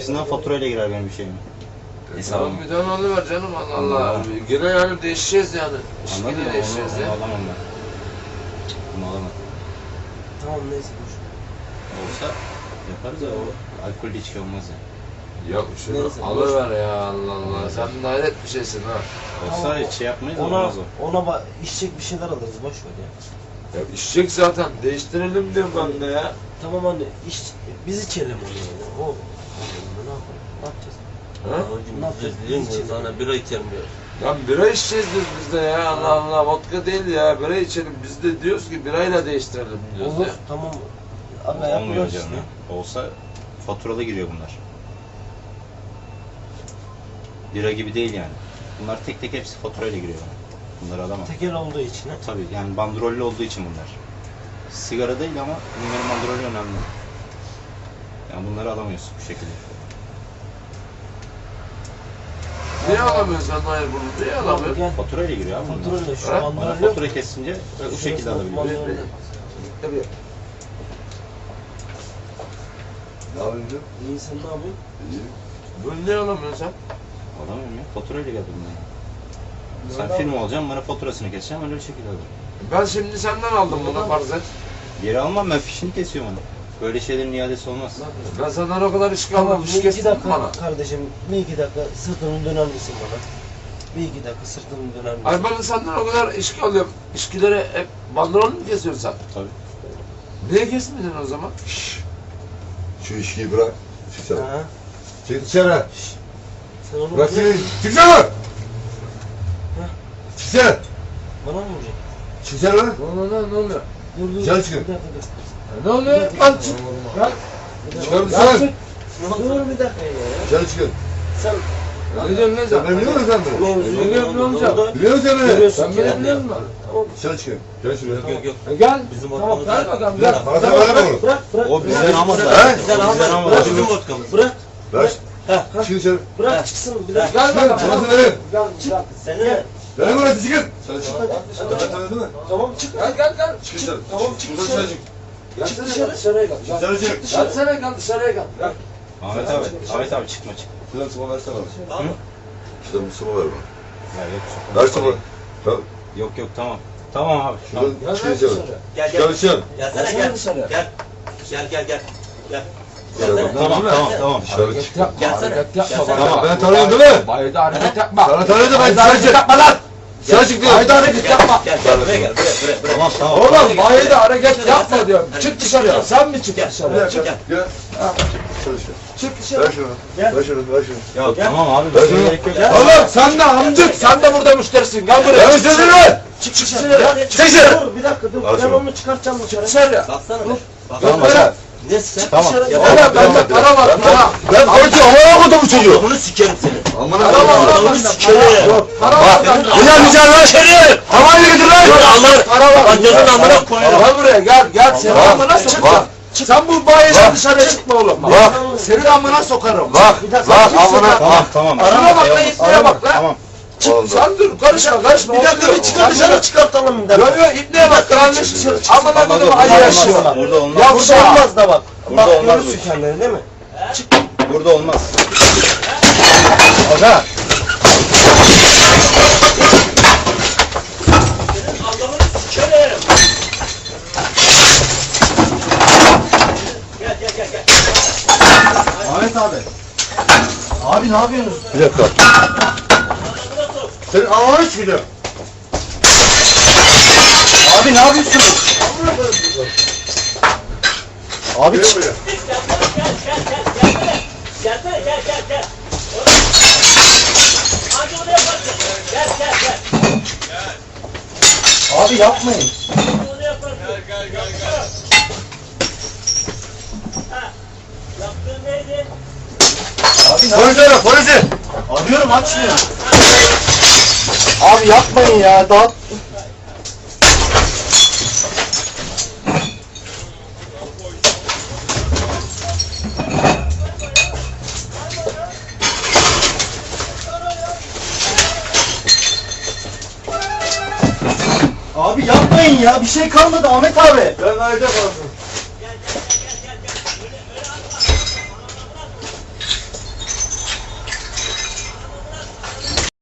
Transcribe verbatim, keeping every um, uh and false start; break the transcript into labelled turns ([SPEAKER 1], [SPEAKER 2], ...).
[SPEAKER 1] açısından faturayla girer benim bir şeyim.
[SPEAKER 2] E tamam bir tane alıver canım Allah Allah. Yine yani değişeceğiz yani.
[SPEAKER 1] Anladın
[SPEAKER 2] Yine
[SPEAKER 1] mı?
[SPEAKER 2] değişeceğiz
[SPEAKER 1] Onu,
[SPEAKER 2] ya.
[SPEAKER 1] onu alamam ben. Bunu alamam.
[SPEAKER 3] Tamam neyse boş.
[SPEAKER 1] Olsa yaparız ya, o alkollü içki olmaz ya.
[SPEAKER 2] Yok şunu
[SPEAKER 3] Neyse,
[SPEAKER 2] alıver ya Allah Allah. Sen de hayret bir şeysin ha.
[SPEAKER 1] Olsa
[SPEAKER 3] Tamam.
[SPEAKER 1] hiç şey yapmayız,
[SPEAKER 3] Ona,
[SPEAKER 1] olmaz o.
[SPEAKER 3] ona ba- içecek bir şeyler alırız boş ver ya.
[SPEAKER 2] Ya içecek zaten. Değiştirelim diyorum ben de ya.
[SPEAKER 3] Tamam anne iç, biz içelim onu yani. O ne yapalım? Ne yapacağız?
[SPEAKER 2] Ha?
[SPEAKER 3] Ne yapacağız? Biz içelim.
[SPEAKER 4] Sana bira içelim diyor.
[SPEAKER 2] Lan bira içeceğiz diyoruz biz de ya. Allah Allah vodka değil ya. Bira içelim. Biz de diyoruz ki birayla değiştirelim diyoruz
[SPEAKER 3] Olur
[SPEAKER 2] ya.
[SPEAKER 3] tamam. Aga
[SPEAKER 1] Olmuyor
[SPEAKER 3] yapıyoruz
[SPEAKER 1] canım
[SPEAKER 3] işte.
[SPEAKER 1] ya. Olsa faturalı giriyor bunlar. Bira gibi değil yani. Bunlar tek tek hepsi faturayla giriyor bana. Bunları alamam.
[SPEAKER 3] Tekel olduğu için. ha.
[SPEAKER 1] Tabii yani bandrollü olduğu için bunlar. Sigara değil ama bunların bandrolü önemli. Yani bunları alamıyorsun bu şekilde.
[SPEAKER 2] Niye alamıyorsun sen hayır bunu? Niye
[SPEAKER 3] Tamam,
[SPEAKER 2] alamıyorsun?
[SPEAKER 3] gel.
[SPEAKER 1] Faturayla giriyor abi bunlar.
[SPEAKER 3] Faturayla şu
[SPEAKER 2] Ha?
[SPEAKER 1] Bana
[SPEAKER 3] bandrol yok.
[SPEAKER 1] fatura kesince bu şekilde alabiliyorsun.
[SPEAKER 3] Bandrol-
[SPEAKER 2] Tabii.
[SPEAKER 5] Ne yapıyorsun?
[SPEAKER 3] İyi sen ne yapıyorsun?
[SPEAKER 5] İyi.
[SPEAKER 2] Bunu niye alamıyorsun sen?
[SPEAKER 1] Alamıyorum ya. Faturayla geldim ben. Sen
[SPEAKER 3] Nereden-
[SPEAKER 1] firma olacaksın, bana faturasını keseceğim, öyle bir şekilde alırım.
[SPEAKER 2] Ben şimdi senden aldım bunu farz et.
[SPEAKER 1] Geri almam, ben fişini kesiyorum onu. Böyle şeylerin iadesi olmaz.
[SPEAKER 2] Ben senden o kadar iş
[SPEAKER 3] Tamam
[SPEAKER 2] kalmadım.
[SPEAKER 3] bir
[SPEAKER 2] Iş
[SPEAKER 3] iki
[SPEAKER 2] kestin
[SPEAKER 3] dakika
[SPEAKER 2] bana.
[SPEAKER 3] kardeşim bir iki dakika sırtını döner misin bana? Bir iki dakika sırtını döner misin?
[SPEAKER 2] Ay ben senden o kadar işki alıyorum. İşkileri hep bandrol mu kesiyorsun sen?
[SPEAKER 1] Tabii.
[SPEAKER 2] Niye kesmedin o zaman?
[SPEAKER 5] Şşş. Şu işkiyi bırak. Çık sen.
[SPEAKER 3] Ha?
[SPEAKER 5] Çık dışarı.
[SPEAKER 3] Sen onu
[SPEAKER 5] Bırak
[SPEAKER 3] bırak.
[SPEAKER 5] seni. Çıksana. Çıksana.
[SPEAKER 3] Bana mı vuracaksın?
[SPEAKER 5] Çıksana lan.
[SPEAKER 2] Ne oluyor ne oluyor?
[SPEAKER 3] Dur dur.
[SPEAKER 5] Dışarı çıkın.
[SPEAKER 3] Bir dakika dur.
[SPEAKER 2] Ne oluyor? Lan çık. Lan.
[SPEAKER 5] Çıkar
[SPEAKER 2] Lan
[SPEAKER 5] dışarı.
[SPEAKER 2] çık.
[SPEAKER 3] Dur bir dakika ya.
[SPEAKER 5] Dışarı çıkın.
[SPEAKER 3] Sen
[SPEAKER 2] Ne diyorsun lan
[SPEAKER 5] Sen beni
[SPEAKER 2] sen?
[SPEAKER 5] biliyor musun sen beni?
[SPEAKER 2] Ne diyorsun amca?
[SPEAKER 5] Biliyor musun sen beni?
[SPEAKER 3] Görüyorsun
[SPEAKER 2] Sen
[SPEAKER 3] ki
[SPEAKER 2] beni
[SPEAKER 3] yani.
[SPEAKER 2] biliyor musun?
[SPEAKER 5] Dışarı çıkın. Gel şuraya.
[SPEAKER 4] Yok yok.
[SPEAKER 2] E Gel.
[SPEAKER 4] Bizim
[SPEAKER 2] Tamam
[SPEAKER 4] ortamız
[SPEAKER 2] gel
[SPEAKER 4] var.
[SPEAKER 2] bakalım
[SPEAKER 4] Gel.
[SPEAKER 2] gel.
[SPEAKER 5] Bana sen verme bunu.
[SPEAKER 3] bırak bırak.
[SPEAKER 1] O bizden almadı.
[SPEAKER 5] He?
[SPEAKER 3] Bizden
[SPEAKER 1] O bizden
[SPEAKER 3] almadı.
[SPEAKER 1] almadı.
[SPEAKER 4] Bizim vodkamız.
[SPEAKER 3] Bırak.
[SPEAKER 5] Bırak.
[SPEAKER 3] Heh,
[SPEAKER 5] Çıkın dışarı.
[SPEAKER 3] Bırak çıksın bir dakika.
[SPEAKER 2] Gel bakalım.
[SPEAKER 5] Bana sen verin.
[SPEAKER 2] Gel gel.
[SPEAKER 3] Seni de.
[SPEAKER 5] Verin burası çıkın. Dışarı çık. Ben tanıdın mı?
[SPEAKER 3] Tamam çık.
[SPEAKER 2] Gel gel gel.
[SPEAKER 5] Çık dışarı.
[SPEAKER 3] Tamam, çık
[SPEAKER 5] Buradan
[SPEAKER 3] dışarı.
[SPEAKER 5] dışarı çık.
[SPEAKER 2] Gelsene
[SPEAKER 3] Dışarı.
[SPEAKER 2] gel dışarıya gel. Gel.
[SPEAKER 5] Dışarı çık.
[SPEAKER 2] Gelsene gel dışarıya gel. Gel.
[SPEAKER 1] Ahmet abi, Ahmet abi çıkma çık.
[SPEAKER 5] Şuradan sıma versene bana.
[SPEAKER 4] Tamam mı?
[SPEAKER 5] Şuradan bir sıma ver bana.
[SPEAKER 1] Ya yok.
[SPEAKER 5] Ver sıma. Tamam.
[SPEAKER 1] Yok yok tamam. Tamam abi. Tamam.
[SPEAKER 5] Şuradan
[SPEAKER 2] Gel
[SPEAKER 5] çıkın
[SPEAKER 2] gel
[SPEAKER 5] dışarı.
[SPEAKER 2] dışarı.
[SPEAKER 4] Gel
[SPEAKER 5] Çıkar
[SPEAKER 4] gel.
[SPEAKER 5] dışarı.
[SPEAKER 4] Gelsene
[SPEAKER 2] Gelsene
[SPEAKER 4] gel.
[SPEAKER 2] dışarıya.
[SPEAKER 4] Gel. Gel gel gel. Gel.
[SPEAKER 5] Dışarı.
[SPEAKER 4] Gelsene.
[SPEAKER 1] Tamam tamam tamam.
[SPEAKER 5] Dışarı çık.
[SPEAKER 2] Hareket yapma.
[SPEAKER 4] Gelsene.
[SPEAKER 2] Hareket yapma.
[SPEAKER 4] Gelsene.
[SPEAKER 5] Tamam, ben tanıyorum değil mi?
[SPEAKER 2] Bayda hareket yapma.
[SPEAKER 5] Sana tanıdım ben.
[SPEAKER 2] Bayda
[SPEAKER 5] Dışarı
[SPEAKER 2] hareket
[SPEAKER 5] çık.
[SPEAKER 2] yapma lan.
[SPEAKER 5] Dışarı çık diyorum.
[SPEAKER 2] Bayda hareket yapma.
[SPEAKER 4] Gel gel buraya gel. Buraya buraya buraya.
[SPEAKER 1] Tamam tamam.
[SPEAKER 2] Oğlum bayda hareket yapma diyorum. Çık dışarıya. Sen mi çık
[SPEAKER 4] Gel.
[SPEAKER 5] Bir
[SPEAKER 2] dışarıya?
[SPEAKER 5] dakika.
[SPEAKER 4] Gel.
[SPEAKER 5] Gel. Dışarı çık.
[SPEAKER 2] Çık
[SPEAKER 5] Ver
[SPEAKER 2] dışarı.
[SPEAKER 5] şunu.
[SPEAKER 3] Gel.
[SPEAKER 5] Ver şunu. Ver şunu.
[SPEAKER 1] Ya tamam abi.
[SPEAKER 5] Ben
[SPEAKER 1] Bir
[SPEAKER 5] şunu-
[SPEAKER 1] şey gerek yok.
[SPEAKER 2] Oğlum sen de amcık. Sen de burada müşterisin. Gel buraya.
[SPEAKER 5] Ver şunu ver.
[SPEAKER 3] Çık dışarı.
[SPEAKER 5] Çık dışarı.
[SPEAKER 3] Dur bir dakika dur.
[SPEAKER 5] Al
[SPEAKER 3] Ben
[SPEAKER 5] şunu.
[SPEAKER 3] onu çıkartacağım dışarı.
[SPEAKER 2] Dışarıya.
[SPEAKER 4] Baksana be. Bak.
[SPEAKER 2] Gel
[SPEAKER 1] Tamam,
[SPEAKER 2] buraya.
[SPEAKER 4] Ne sen?
[SPEAKER 1] Tamam.
[SPEAKER 4] Ya,
[SPEAKER 2] Oğlum bende para var. Para.
[SPEAKER 5] Ben konuşuyorum. Amına koydum bu çocuğu.
[SPEAKER 4] Bunu sikerim seni.
[SPEAKER 5] Amına
[SPEAKER 2] Para var
[SPEAKER 5] koydum.
[SPEAKER 2] lan bende.
[SPEAKER 4] sikerim.
[SPEAKER 2] Para var bende.
[SPEAKER 5] Ulan güzel lan.
[SPEAKER 4] İçeri.
[SPEAKER 5] Havayla getir lan.
[SPEAKER 4] Allah.
[SPEAKER 2] Para var.
[SPEAKER 4] Bacının amına koyuyorum.
[SPEAKER 2] Gel buraya gel gel. Senin
[SPEAKER 5] Bak,
[SPEAKER 2] amına sokarım.
[SPEAKER 5] bak.
[SPEAKER 2] Sen bu bayiden dışarıya çıkma oğlum.
[SPEAKER 5] Bak.
[SPEAKER 2] Senin amına sokarım.
[SPEAKER 5] Bak. Bak amına.
[SPEAKER 1] Tamam tamam.
[SPEAKER 2] Şuna bak lan, ipneye bak lan.
[SPEAKER 1] Tamam.
[SPEAKER 5] Oğlum,
[SPEAKER 2] Sen dur karışma karışma.
[SPEAKER 3] Bir dakika bir çıkar dışarı çıkartalım bir dakika.
[SPEAKER 2] Yok yok ipneye bak kardeş. Amına koydum Ali yaşıyor.
[SPEAKER 1] Burada olmaz.
[SPEAKER 3] Ya burada olmaz da bak.
[SPEAKER 1] Burada
[SPEAKER 3] Bak
[SPEAKER 1] olmaz bu
[SPEAKER 3] görürsün
[SPEAKER 1] iş.
[SPEAKER 3] kendini değil mi?
[SPEAKER 1] Burada olmaz.
[SPEAKER 5] Aga.
[SPEAKER 4] Allah'ını sikerim. Gel gel gel gel.
[SPEAKER 1] Ahmet abi. Abi ne yapıyorsunuz?
[SPEAKER 5] Bir dakika. Senin ananı sikeceğim.
[SPEAKER 1] Abi ne yapıyorsunuz? Abi
[SPEAKER 5] Gel
[SPEAKER 1] çık.
[SPEAKER 5] buraya.
[SPEAKER 4] Gelsene gel gel gel. Hadi oraya yaparsın. Gel gel gel.
[SPEAKER 1] Abi yapmayın.
[SPEAKER 4] Onu yaparsın. Gel gel gel gel. Ha. Yaptığın neydi?
[SPEAKER 1] Abi ne
[SPEAKER 5] Polisi ara polisi.
[SPEAKER 1] Arıyorum açmıyor. Abi yapmayın ya. Daha Abi yapmayın ya. Bir şey kalmadı Ahmet abi.
[SPEAKER 5] Ben ayrıca kalsın.